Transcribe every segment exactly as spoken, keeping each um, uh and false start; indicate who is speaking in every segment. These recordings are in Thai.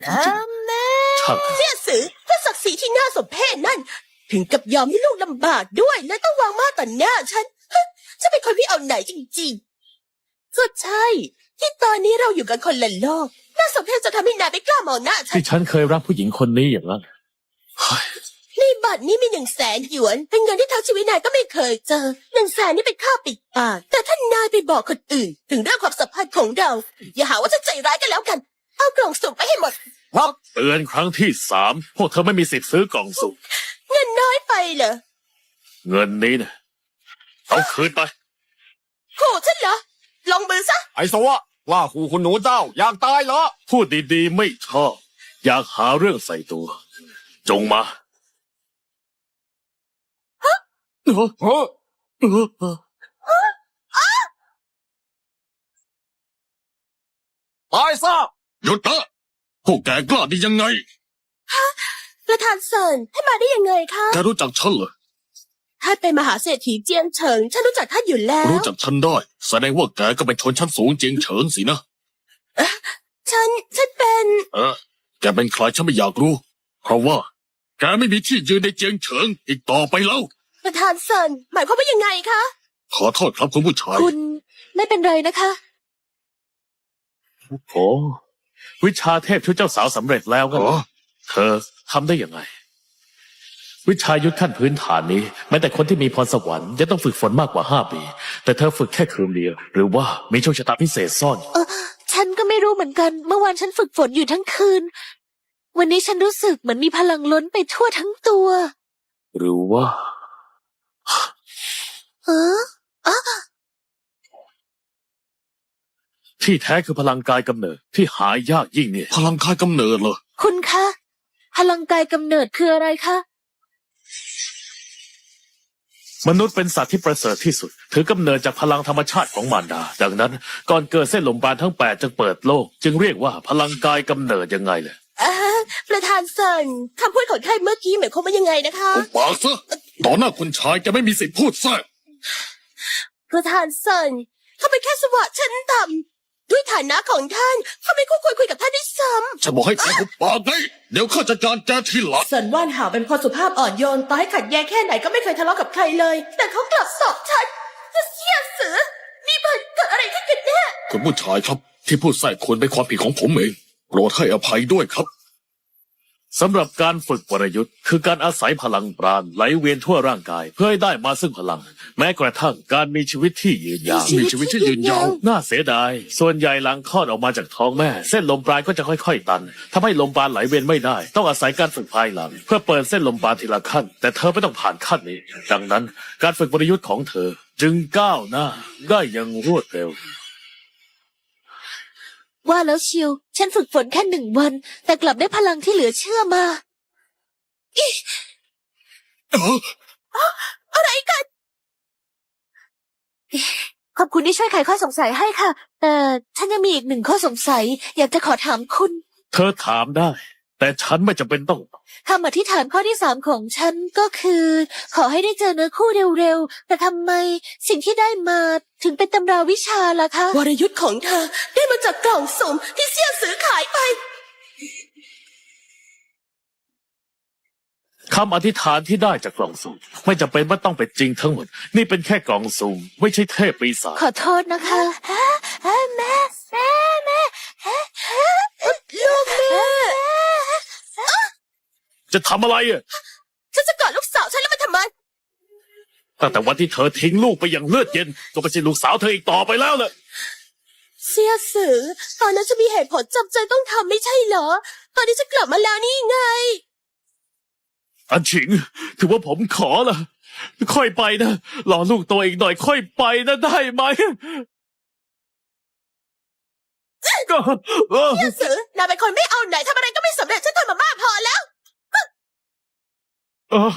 Speaker 1: ถึงจะช่าง
Speaker 2: เสี่ยสือถ้าศักดิ์ศรีที่น่าสมเพชนั่น ถึงกับยอมให้ลูกลำบากด้วยและต้องวางมาต่อหน้าฉันฮะจะเป็นคนที่เอาไหนจริงๆก็ใช่ ที่ตอนนี้เราอยู่กันคนละโลกน่าสมเพชจะทำให้นายไม่กล้ามองหน้าฉัน
Speaker 1: ที่ฉันเคยรักผู้หญิงคนนี้อย่างนั้นเฮ้ย
Speaker 2: ในบัตรนี้มีหนึ่งแสนหยวนเป็นเงินที่ทั้งชีวิตนายก็ไม่เคยเจอหนึ่งแสนนี่เป็นค่าปิดปากแต่ถ้านายไปบอกคนอื่น ถึงเรื่องความสัมพันธ์ของเรา อย่าหาว่าฉันใจร้ายกันแล้วกันเอากล่องสุ่มไปให้หมด
Speaker 1: ครับเตือนครั้งที่สามพวกเธอไม่มีสิทธิ์ซื้อกล่องสุ่ม
Speaker 2: เงินน้อยไปเหรอ
Speaker 1: เงินนี้นะเอาคืนไป
Speaker 2: ขู่ฉันเหรอลงมือซะ
Speaker 3: ไอ้สวะว่าขู่คุณหนูเจ้าอยากตายเหรอ
Speaker 1: พูดดีๆไม่ชอบ อยากหาเรื่องใส่ตัว จงมาเออ
Speaker 3: เฮ้อ
Speaker 1: เออเออ
Speaker 3: ตายซะ
Speaker 4: หยุดนะพวกแกกล้าได้ยังไง
Speaker 2: ประธานเซินให้มาได้ยังไงคะ
Speaker 4: แกรู้จักฉันเหรอ
Speaker 2: ท่านเป็นมหาเศรษฐีเจียงเฉิงฉันรู้จักท่านอยู่แล้ว
Speaker 4: รู้จักฉันได้ แสดงว่าแกก็เป็นชนชั้นสูงเจียงเฉิงสินะ
Speaker 2: ฉันฉันเป็น
Speaker 4: เออ แกเป็นใครฉันไม่อยากรู้ เพราะว่า แกไม่มีที่ยืนในเจียงเฉิงอีกต่อไปแล้ว
Speaker 2: ประธานเซินหมายความว่ายังไงคะ
Speaker 4: ขอโทษครับคุณผู้ชาย
Speaker 2: คุณไม่เป็นไรนะคะ
Speaker 1: โอ้วิชาเทพช่วยเจ้าสาวสำเร็จแล้วกัน
Speaker 4: อ๋อ
Speaker 1: เธอทำได้ยังไง วิชายุทธขั้นพื้นฐานนี้แม้แต่คนที่มีพรสวรรค์จะต้องฝึกฝนมากกว่าห้าปี แต่เธอฝึกแค่คืนเดียวหรือว่ามีโชคชะตาพิเศษซ่อนอยู่
Speaker 5: เออฉันก็ไม่รู้เหมือนกัน เมื่อวานฉันฝึกฝนอยู่ทั้งคืน วันนี้ฉันรู้สึกเหมือนมีพลังล้นไปทั่วทั้งตัว
Speaker 1: หรือว่า
Speaker 5: เออ
Speaker 1: ที่แท้คือพลังกายกำเนิดที่หายากยิ่งเนี่ย
Speaker 4: พลังคายกำเนิดเหรอ
Speaker 5: คุณคะ พลังกายกำเนิดคืออะไรคะ
Speaker 1: มนุษย์เป็นสัตว์ที่ประเสริฐที่สุด ถือกำเนิดจากพลังธรรมชาติของมารดา ดังนั้นก่อนเกิดเส้นลมปราณทั้งแปดจึงเปิดโลก จึงเรียกว่าพลังกายกำเนิดยังไงเลย
Speaker 2: อ่าประธานเซินคำพูดของท่านเมื่อกี้หมายความว่ายังไงนะคะ
Speaker 4: อุปากซะต่อหน้าคุณชายจะไม่มีสิทธิ์พูดแทรก
Speaker 2: ประธานเซินเขาเป็นแค่สวะชั้นต่ำด้วยฐานะของท่านเขาไม่คู่ควรคุยกับท่านด้วยซ้
Speaker 4: ฉันบอกให้แกหุบปากไงเดี๋ยวข้าจัดการแกทีหลัง
Speaker 2: ำเซินว่านหาวเป็นคนสุภาพอ่อนโยนต่อให้ขัดแย้งแค่ไหนก็ไม่เคยทะเลาะกับใครเลย แต่เขากลับสอบฉันจะเสียเสือนี่มันเกิดอะไรขึ้นกันแน่
Speaker 4: คุณผู้ชายครับ ที่พูดแทรกควรเป็นความผิดของผมเองโปรดให้อภัยด้วยครับ
Speaker 1: สำหรับการฝึกวรยุทธ์คือการอาศัยพลังปราณไหลเวียนทั่วร่างกาย เพื่อให้ได้มาซึ่งพลัง แม้กระทั่งการมีชีวิตที่ยืนยาว
Speaker 4: มีชีวิตที่ยืนยาว
Speaker 1: น่าเสียดาย ส่วนใหญ่หลังคลอดออกมาจากท้องแม่ เส้นลมปราณก็จะค่อยๆตันทำให้ลมปราณไหลเวียนไม่ได้ ต้องอาศัยการฝึกภายหลัง เพื่อเปิดเส้นลมปราณทีละขั้น แต่เธอไม่ต้องผ่านขั้นนี้ ดังนั้นการฝึกวรยุทธ์ของเธอ จึงก้าวหน้าได้อย่างรวดเร็ว
Speaker 5: ว่าแล้วเชียว ฉันฝึกฝนแค่หนึ่งวัน แต่กลับได้พลังที่เหลือเชื่อมา
Speaker 2: อะไรกัน
Speaker 5: ขอบคุณที่ช่วยไขข้อสงสัยให้ค่ะ แต่ฉันยังมีอีกหนึ่งข้อสงสัย อยากจะขอถามคุณ
Speaker 1: เธอถามได้ แต่ฉันไม่จำเป็นต้อง
Speaker 5: คำอธิษฐานข้อที่สามของฉันก็คือ ขอให้ได้เจอเนื้อคู่เร็วๆ แต่ทำไมสิ่งที่ได้มาถึงเป็นตำราวิชาล่ะคะ
Speaker 2: วรยุทธ์ของเธอได้มาจากกล่องสุ่มที่เสี่ยสือขายไป
Speaker 1: คำอธิษฐานที่ได้จากกล่องสุ่มไม่จำเป็นว่าต้องเป็นจริงทั้งหมด นี่เป็นแค่กล่องสุ่มไม่ใช่เทพปีศาจ
Speaker 5: ขอโทษนะคะแม่แม่แม่แม่
Speaker 2: ลูกแม่
Speaker 1: จะทำอะไรอ่ะ
Speaker 2: ฉันจะกอดลูกสาวฉันแล้วมันทำไม
Speaker 1: ตั้งแต่วันที่เธอทิ้งลูกไปอย่างเลือดเย็น ก็ไม่ใช่ลูกสาวเธออีกต่อไปแล้วเลย
Speaker 2: เสี่ยสือตอนนั้นฉันมีเหตุผลจำใจต้องทำไม่ใช่เหรอ ตอนนี้ฉันกลับมาแล้วนี่ไง
Speaker 1: อันฉิง ถือว่าผมขอละค่อยไปนะรอลูกโตอีกหน่อยค่อยไปนะได้ไหมก็เออ
Speaker 2: เสี่ยสือนายเป็นคนไม่เอาไหนทำอะไรก็ไม่สำเร็จฉันทำมามากพอแล้ว
Speaker 1: เออ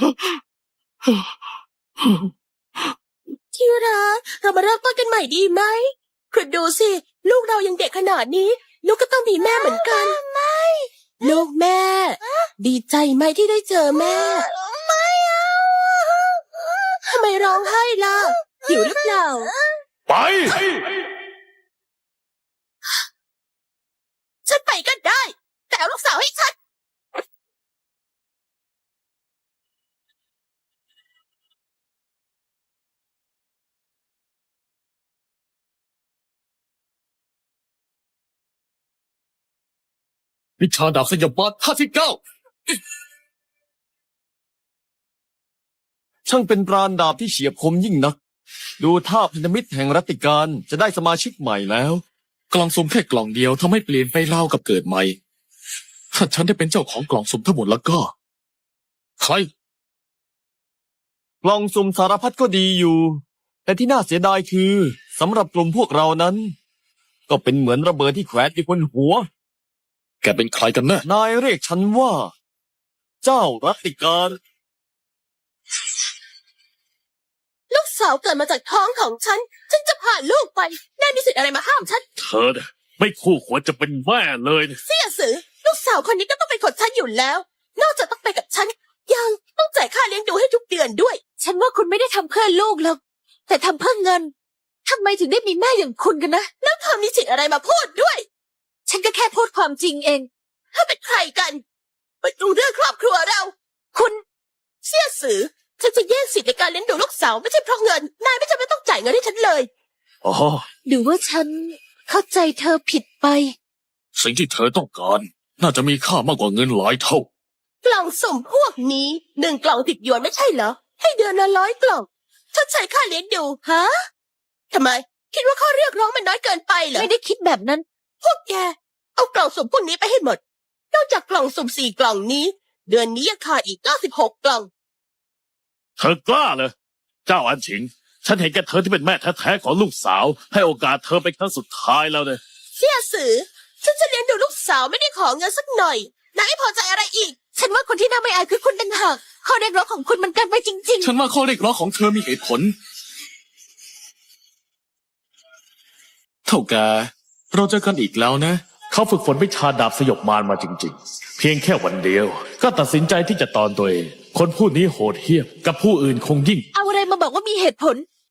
Speaker 2: ที่รักเรามาเริ่มต้นกันใหม่ดีไหมคุณดูสิ ลูกเรายังเด็กขนาดนี้ ลูกก็ต้องมีแม่เหมือนกัน ไม่ ลูกแม่ ดีใจไหมที่ได้เจอแม่ ไม่เอาทำไมร้องไห้ล่ะหิวหรือเปล่า
Speaker 1: ไป
Speaker 2: ฉันไปก็ได้ แต่เอาลูกสาวให้ให้ฉัน
Speaker 4: วิชาดาบสยบมาห้าสิบเก้า
Speaker 3: ช่างเป็นปราณดาบที่เฉียบคมยิ่งนัก ดูท่าพันธมิตรแห่งรัตติการจะได้สมาชิกใหม่แล้ว
Speaker 4: กล่องสุ่มแค่กล่องเดียวทำให้เปลี่ยนไปเล่าวกับเกิดใหม่ ถ้าฉันได้เป็นเจ้าของกล่องสุ่มทั้งหมดแล้วก็ ใคร
Speaker 3: กล่องสุ่มสารพัดก็ดีอยู่ แต่ที่น่าเสียดายคือสำหรับกลุ่มพวกเรานั้น ก็เป็นเหมือนระเบิดที่แขวนอยู่บนหัว
Speaker 4: แกเป็นใครกันแน่
Speaker 3: นายเรียกฉันว่า เจ้ารัตติการ
Speaker 2: ลูกสาวเกิดมาจากท้องของฉัน ฉันจะพาลูกไปนายมีสิทธิ์อะไรมาห้ามฉัน
Speaker 1: เธอเนี่ยไม่คู่ควรจะเป็นแม่เลยนะ
Speaker 2: เสี่ยสือ ลูกสาวคนนี้ก็ต้องเป็นของฉันอยู่แล้ว นอกจากต้องไปกับฉัน ยังต้องจ่ายค่าเลี้ยงดูให้ทุกเดือนด้วย
Speaker 5: ฉันว่าคุณไม่ได้ทำเพื่อลูกหรอก แต่ทำเพื่อเงินทำไมถึงได้มีแม่อย่างคุณกันนะ
Speaker 2: แล้วเธอมีสิทธิ์อะไรมาพูดด้วย
Speaker 5: ฉันก็แค่พูดความจริงเอง
Speaker 2: ถ้าเป็นใครกันไปดูเรื่องครอบครัวเรา
Speaker 5: คุณ
Speaker 2: เสี่ยสือ ฉันจะแย่งสิทธิ์ในการเลี้ยงดูลูกสาวไม่ใช่เพราะเงิน นายไม่จำเป็นต้องจ่ายเงินให้ฉันเลย
Speaker 1: อ๋อ
Speaker 5: หรือว่าฉันเข้าใจเธอผิดไป
Speaker 4: สิ่งที่เธอต้องการ น่าจะมีค่ามากกว่าเงินหลายเท่า
Speaker 2: กล่องสุ่มพวกนี้หนึ่งกล่องติดหยวนไม่ใช่เหรอ ให้เดือนละร้อยกล่องชดใช้ค่าเลี้ยงดู
Speaker 5: ฮะ
Speaker 2: ทำไม คิดว่าข้อเรียกร้องมันน้อยเกินไปเหรอ
Speaker 5: ไม่ได้คิดแบบนั้น
Speaker 2: พวกแก เอากล่องสุ่มพวกนี้ไปให้หมด นอกจากกล่องสุ่มสี่กล่องนี้ เดือนนี้ยังขาดอีกเก้าสิบหกกล่อง
Speaker 1: เธอกล้าเลยเจ้าอันฉิง ฉันเห็นแกเธอที่เป็นแม่แท้ๆของลูกสาว ให้โอกาสเธอเป็นครั้งสุดท้ายแล้วเนี่ย
Speaker 2: เสี่ยสือ ฉันจะเลี้ยงดูลูกสาวไม่ได้ขอเงินสักหน่อยนายไม่พอใจอะไรอีก
Speaker 5: ฉันว่าคนที่น่าไม่อายคือคุณต่างหากข้อเรียกร้องของคุณมันเกินไปจริง
Speaker 4: ฉันว่าข้อเรียกร้องของเธอมีเหตุผล เท่าแกเราเจอกันอีกแล้วนะ
Speaker 1: เขาฝึกฝนวิชาดาบสยบมารมาจริงๆ เพียงแค่วันเดียว ก็ตัดสินใจที่จะตอนตัวเอง คนผู้นี้โหดเหี้ยมกับผู้อื่นคงยิ่ง
Speaker 5: ๆ เอาอะไรมาบอกว่ามีเหตุผล